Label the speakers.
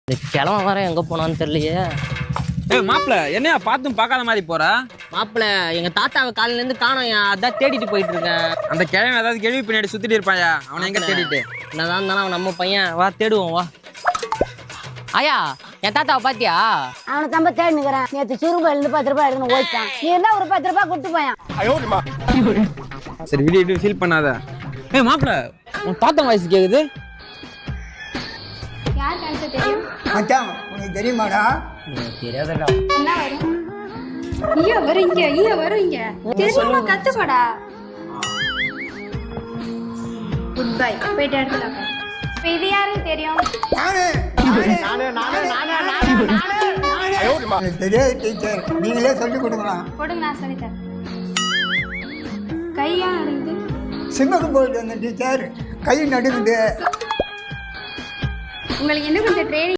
Speaker 1: இந்த கிழமை வர எங்க போனான்னு தெரியலையே.
Speaker 2: மாப்பிள்ள என்னையா பார்த்தும் பார்க்காத மாதிரி போற?
Speaker 1: மாப்பிள்ள எங்க தாத்தாவை காலையில இருந்து காணோம், அதான் தேடிட்டு போயிட்டு இருக்கேன்.
Speaker 2: அந்த கிழமை ஏதாவது கேள்வி பின்னாடி சுத்திட்டு இருப்பாயா? அவனை எங்க தேடிட்டு?
Speaker 1: என்னதான் இருந்தாலும் அவன் நம்ம பையன், வா தேடுவோம் வா. ஐயா என் தாத்தாவை பாத்தியா?
Speaker 3: அவனை தம்ப தேடினுக்கிறேன். நேற்று சுருங்க இருந்து 10 ரூபாய் எடுத்துன்னு ஓய்ட்டான். நீ இருந்தா ஒரு 10 ரூபாய் கொடுத்து போயான்.
Speaker 2: சரி விடு ஃபீல் பண்ணாத. மாப்பிள்ள உன் தாத்தா வயசு கேக்குது.
Speaker 4: யார் கணக்கு தெரியும்?
Speaker 5: மச்சான் உனக்கு தெரியுமாடா?
Speaker 1: தெரியாதடா.
Speaker 4: என்ன வரும்? ஐயா வருங்க, ஐயா வருங்க. தெரியுமா கத்துக்கடா. Good bye. போயிட்டு எடுத்துலாம். இப்போ இது யாருக்கு தெரியும்?
Speaker 5: எனக்கு தெரியாது டீச்சர், நீங்களே சொல்லி கொடுக்கலாம்.
Speaker 4: கொடுங்க, நான் சொல்லித்தரேன். கையா நடுங்குது.
Speaker 5: சிம்மக்கு போயிட்டு வந்தேன் டீச்சர், கை நடுங்குது.
Speaker 4: உங்களுக்கு என்ன கொஞ்சம் ட்ரைனிங்